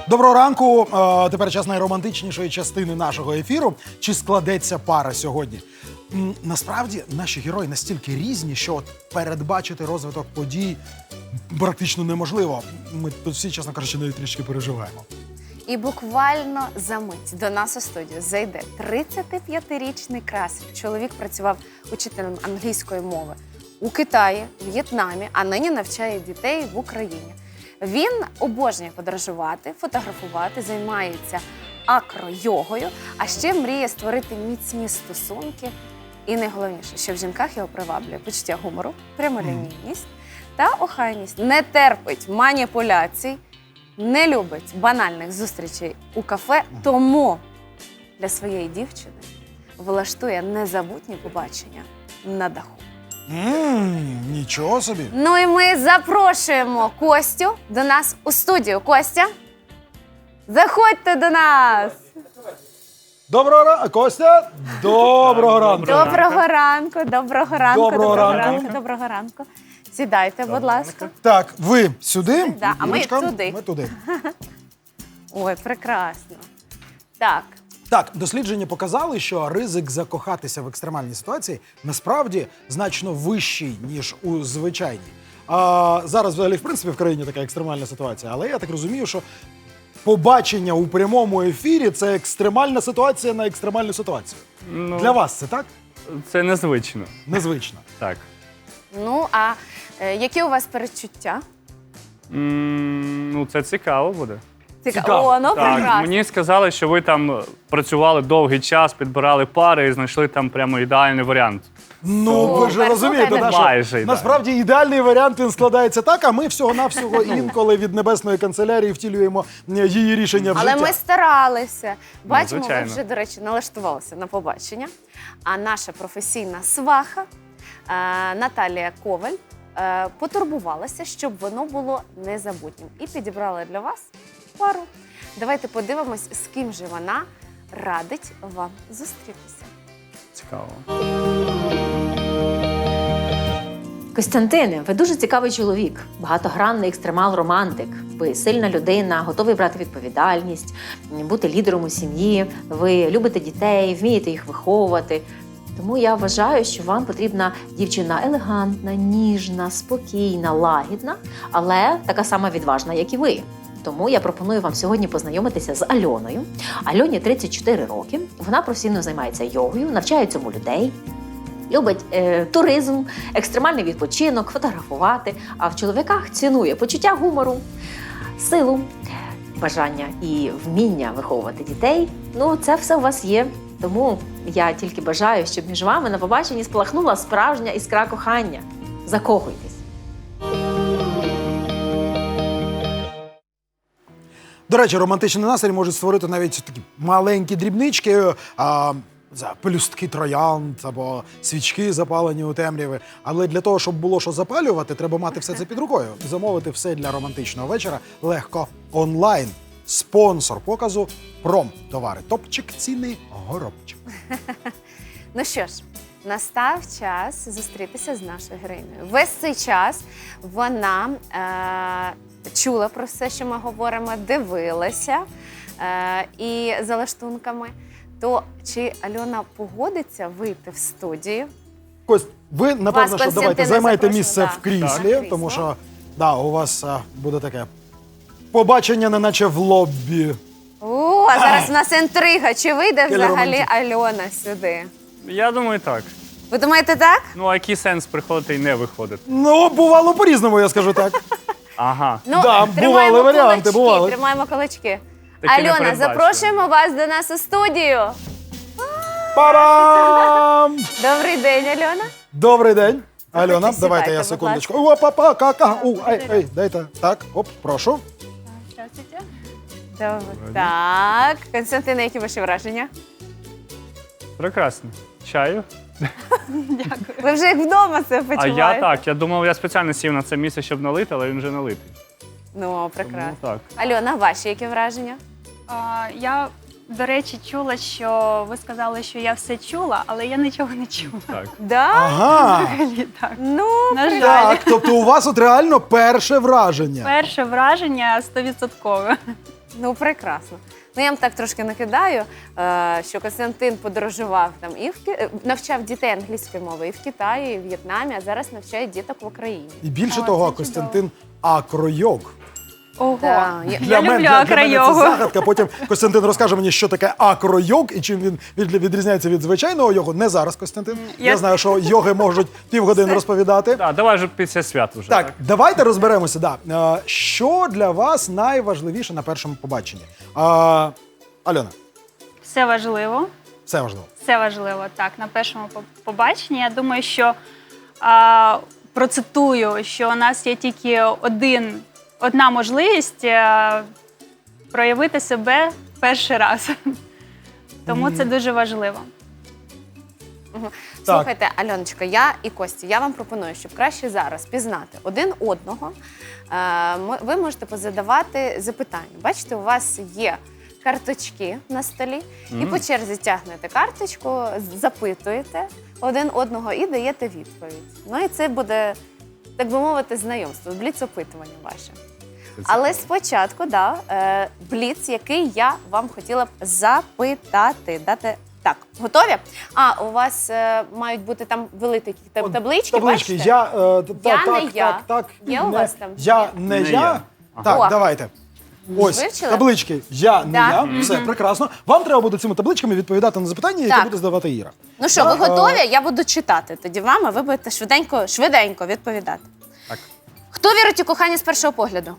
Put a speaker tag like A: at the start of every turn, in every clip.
A: Доброго ранку. Тепер час найромантичнішої частини нашого ефіру. Чи складеться пара сьогодні? Насправді, наші герої настільки різні, що от передбачити розвиток подій практично неможливо. Ми тут всі, чесно кажучи, навіть трішки переживаємо.
B: І буквально за мить до нас у студію зайде 35-річний красень. Чоловік працював учителем англійської мови у Китаї, В'єтнамі, а нині навчає дітей в Україні. Він обожнює подорожувати, фотографувати, займається акро-йогою, а ще мріє створити міцні стосунки. І найголовніше, що в жінках його приваблює почуття гумору, прямолінійність та охайність. Не терпить маніпуляцій, не любить банальних зустрічей у кафе, тому для своєї дівчини влаштує незабутні побачення на даху.
A: Нічого собі.
B: Ну і ми запрошуємо Костю до нас у студію. Костя, заходьте до нас!
A: Доброго ранку, Костя! Доброго ранку!
B: Доброго ранку, доброго ранку,
A: Доброго ранку.
B: доброго ранку. Сідайте, будь ласка.
A: Так, ви сюди,
B: Да, а ми
A: Юрочка,
B: туди.
A: Ми туди.
B: Ой, прекрасно. Так,
A: Так, дослідження показали, що ризик закохатися в екстремальній ситуації насправді значно вищий, ніж у звичайній. Зараз взагалі, в принципі, в країні така екстремальна ситуація, але я так розумію, що побачення у прямому ефірі – це екстремальна ситуація на екстремальну ситуацію. Для вас це так?
C: Це незвично.
A: Незвично.
C: Так.
B: ну а які у вас передчуття?
C: Ну, це цікаво буде.
A: Цікаво.
B: О, ну
C: Так,
B: прекрасно.
C: мені сказали, що ви там працювали довгий час, підбирали пари і знайшли там прямо ідеальний варіант.
A: Ну, ви ж
B: Супер,
A: розумієте,
B: слухайте.
C: Майже
A: насправді ідеальний варіант він складається так, а ми всього-навсього інколи від Небесної канцелярії втілюємо її рішення в
B: Але
A: життя.
B: ми старалися. Бачимо, ви
C: звичайно.
B: вже, до речі, налаштувалися на побачення. А наша професійна сваха Наталія Коваль потурбувалася, щоб воно було незабутнім. І підібрала для вас пару. Давайте подивимось, з ким же вона радить вам зустрітися.
C: Цікаво.
D: Костянтине, ви дуже цікавий чоловік, багатогранний екстремал-романтик. Ви сильна людина, готовий брати відповідальність, бути лідером у сім'ї. Ви любите дітей, вмієте їх виховувати. Тому я вважаю, що вам потрібна дівчина елегантна, ніжна, спокійна, лагідна, але така сама відважна, як і ви. Тому я пропоную вам сьогодні познайомитися з Альоною. Альоні 34 роки, вона професійно займається йогою, навчає цьому людей. Любить туризм, екстремальний відпочинок, фотографувати, а в чоловіках цінує почуття гумору, силу, бажання і вміння виховувати дітей. Ну, це все у вас є. Тому я тільки бажаю, щоб між вами на побаченні спалахнула справжня іскра кохання. Закохуйтесь.
A: До речі, романтичний настрій можуть створити навіть такі маленькі дрібнички, пелюстки троянд або свічки запалені у темряві. Але для того, щоб було що запалювати, треба мати все це під рукою. Замовити все для романтичного вечора легко онлайн. Спонсор показу Промтовари. Топчик, ціни, горобчик.
B: Ну що ж, настав час зустрітися з нашою героїнею. Весь цей час вона чула про все, що ми говоримо, дивилася і за лаштунками. То чи Альона погодиться вийти в студію?
A: Кость, ви, напевно, що
B: Костянтин,
A: давайте займайте
B: запрошую,
A: місце
B: да.
A: в кріслі,
B: Так.
A: тому що у вас буде таке побачення, неначе в лоббі.
B: О, а зараз у нас інтрига. Чи вийде
A: Келі
B: взагалі
A: романтик.
B: Альона сюди?
C: Я думаю, так.
B: Ви думаєте так?
C: Ну, а який сенс приходити і не виходити?
A: Ну, бувало по-різному, я скажу так.
C: Ага.
B: Ну,
A: Да,
B: тримаємо
A: бували варіанти,
B: кулачки,
A: бували.
B: тримаємо кулачки.
C: Таке
B: Альона,
C: непередбачуване.
B: запрошуємо вас до нас у студію.
A: Парам!
B: Добрий день, Альона.
A: Добрий день. Альона,
B: Сідайте,
A: давайте я
B: будь
A: секундочку. Опа, кака. Ей, дайте. Так, оп, прошу.
B: Добре. Так, Костянтине, які ваші враження?
C: Прекрасно. Чаю?
B: Ви вже як вдома це
C: А
B: почуваєте?
C: я так. Я думав, я спеціально сів на це місце, щоб налити, але він вже налитий.
B: Ну,
C: Тому
B: прекрасно.
C: так.
B: Альона, ваші які враження?
E: Я, до речі, чула, що ви сказали, що я все чула, але я нічого не чула.
C: Так.
B: Да?
A: Ага.
E: Взагалі так.
B: Ну,
E: На жаль,
A: Так, тобто у вас от реально перше враження.
E: перше враження 100%.
B: Ну, прекрасно. Ну, я вам так трошки накидаю, що Костянтин подорожував там і навчав дітей англійської мови і в Китаї, і в В'єтнамі, а зараз навчає діток в Україні.
A: І більше
E: О,
A: того,
E: це
A: Костянтин акройог.
E: Ого.
B: Да.
E: Я люблю
A: для мене це
E: акройогу.
A: загадка. Потім Костянтин розкаже мені, що таке акройог і чим він відрізняється від звичайного йогу. Не зараз, Костянтин. Я знаю, що йоги можуть півгодини розповідати.
C: Да, давай вже після свят вже.
A: Так, давайте розберемося. Да. Що для вас найважливіше на першому побаченні? Альона,
E: Все важливо.
A: все важливо.
E: Все важливо, так, на першому побаченні. Я думаю, що процитую, що у нас є тільки одна можливість проявити себе перший раз. Тому це дуже важливо.
B: Слухайте, Альоночка, я і Костя, я вам пропоную, щоб краще зараз пізнати один одного. Ви можете позадавати запитання. Бачите, у вас є карточки на столі, і по черзі тягнете карточку, запитуєте один одного і даєте відповідь. Ну і це буде, так би мовити, знайомство, бліц-опитування ваше. Але спочатку, бліц, який я вам хотіла б запитати. Так, готові? У вас мають бути там великі таблички, бачите?
A: Я
B: не я.
A: Так.
B: Є у вас там?
A: Я не я. Так,
B: О.
A: давайте. Ось,
B: Вивчили?
A: таблички «Я не
B: Да.
A: я». Все, прекрасно. Вам треба буде цими табличками відповідати на запитання, які
B: Так.
A: буде здавати Іра.
B: Ну що, ви готові? Я буду читати тоді вам, а ви будете швиденько відповідати.
C: Так.
B: Хто вірить у кохання з першого погляду?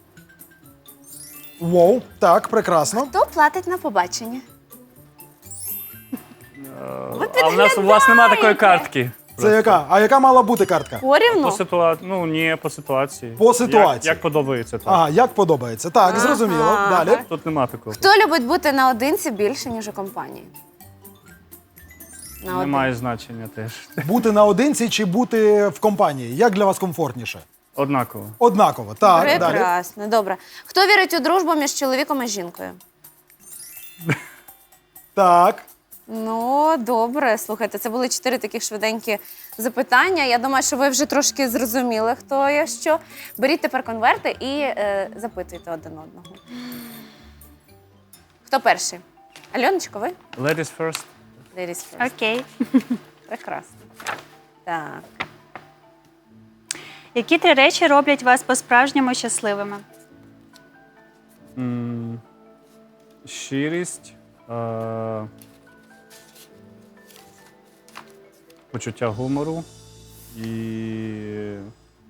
A: Воу, так, прекрасно.
B: Хто платить на побачення?
C: А у вас немає такої картки.
A: Це яка? А яка мала бути картка?
B: Порівну?
C: По ситуації.
A: По ситуації.
C: Як подобається, так.
A: Ага, як подобається. Так, зрозуміло. Далі.
C: Тут нема такого.
B: Хто любить бути наодинці більше, ніж у компанії?
C: Немає значення теж.
A: Бути наодинці чи бути в компанії? Як для вас комфортніше?
C: Однаково.
A: Однаково. Так, далі.
B: Прекрасно, добре. Хто вірить у дружбу між чоловіком і жінкою?
A: Так.
B: Ну, добре, слухайте, це були 4 таких швиденькі запитання. Я думаю, що ви вже трошки зрозуміли, хто є що. Беріть тепер конверти і запитуйте один одного. Хто перший? Альоночко, ви?
C: Ladies first.
B: Ladies first.
E: Окей.
B: Прекрасно. Так.
E: Які 3 речі роблять вас по-справжньому щасливими?
C: Щирість, почуття гумору і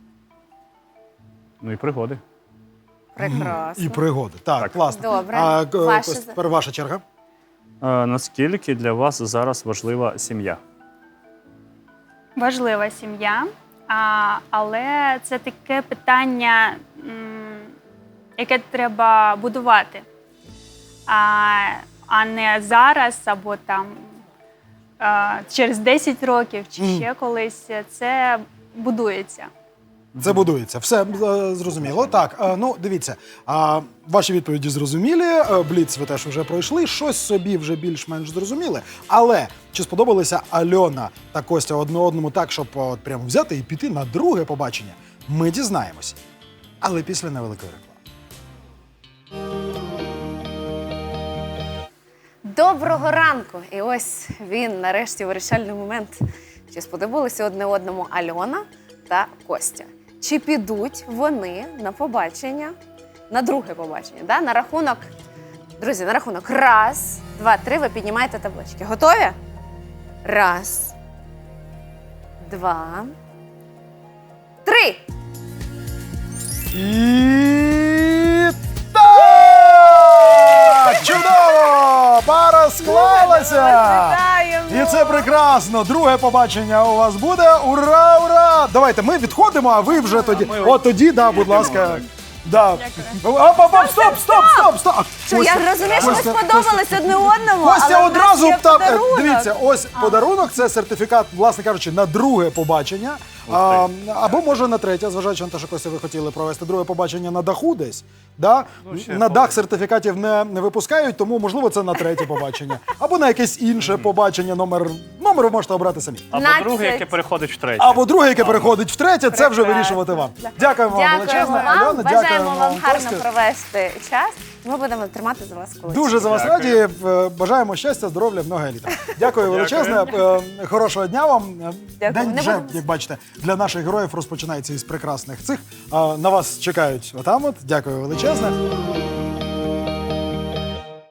C: пригоди.
B: Прекрасно.
A: І пригоди. Так,
C: Так.
A: класно.
B: Добре.
A: Тепер ваша черга.
C: Наскільки для вас зараз важлива сім'я?
E: Важлива сім'я, але це таке питання, яке треба будувати, а не зараз або там через 10 років чи ще колись. Це будується.
A: Це будується. Все зрозуміло. Так, дивіться, ваші відповіді зрозумілі, бліц ви теж вже пройшли, щось собі вже більш-менш зрозуміли. Але чи сподобалися Альона та Костя одне одному так, щоб прямо взяти і піти на друге побачення? Ми дізнаємось. Але після невеликої реклами.
B: Доброго ранку! І ось він, нарешті, вирішальний момент. Чи сподобалися одне одному Альона та Костя? Чи підуть вони на побачення, на друге побачення? Да? На рахунок, друзі, на рахунок 1, 2, 3 ви піднімаєте таблички. Готові? 1, 2, 3.
A: І так! Чудово! Пара склалася!
B: Вітаємо!
A: І це прекрасно. Друге побачення у вас буде. Ура, ура! Давайте ми відходимо, а ви вже тоді. От тоді, будь ласка. Да. Стоп!
B: Що, я розумію, що ви сподобались одне одному,
A: Костя
B: але в нас
A: одразу
B: є подарунок.
A: дивіться, ось подарунок, це сертифікат, власне кажучи, на друге побачення. Або може на третє, зважаючи на те, що Костя, ви хотіли провести друге побачення на даху десь. Да? На дах сертифікатів не випускають, тому можливо це на третє побачення. Або на якесь інше побачення, номер ви можете обрати самі.
C: Або
B: 15.
C: друге, яке переходить в третє.
A: Або друге, яке переходить в третє, це вже
B: Прекрасно.
A: вирішувати вам. Дякуємо вам
B: Дякуємо
A: величезне,
B: вам,
A: Альона,
B: бажаємо вам гарно
A: Костя.
B: провести час. Ми будемо тримати за вас кулачки.
A: Дуже за вас
C: Дякую.
A: раді. Бажаємо щастя, здоров'я, много еліта. Дякую величезне. Хорошого дня вам.
B: Дякую.
A: День
B: Не
A: вже,
B: будемо-
A: як бачите, для наших героїв розпочинається із прекрасних цих. На вас чекають отам от. Дякую величезне.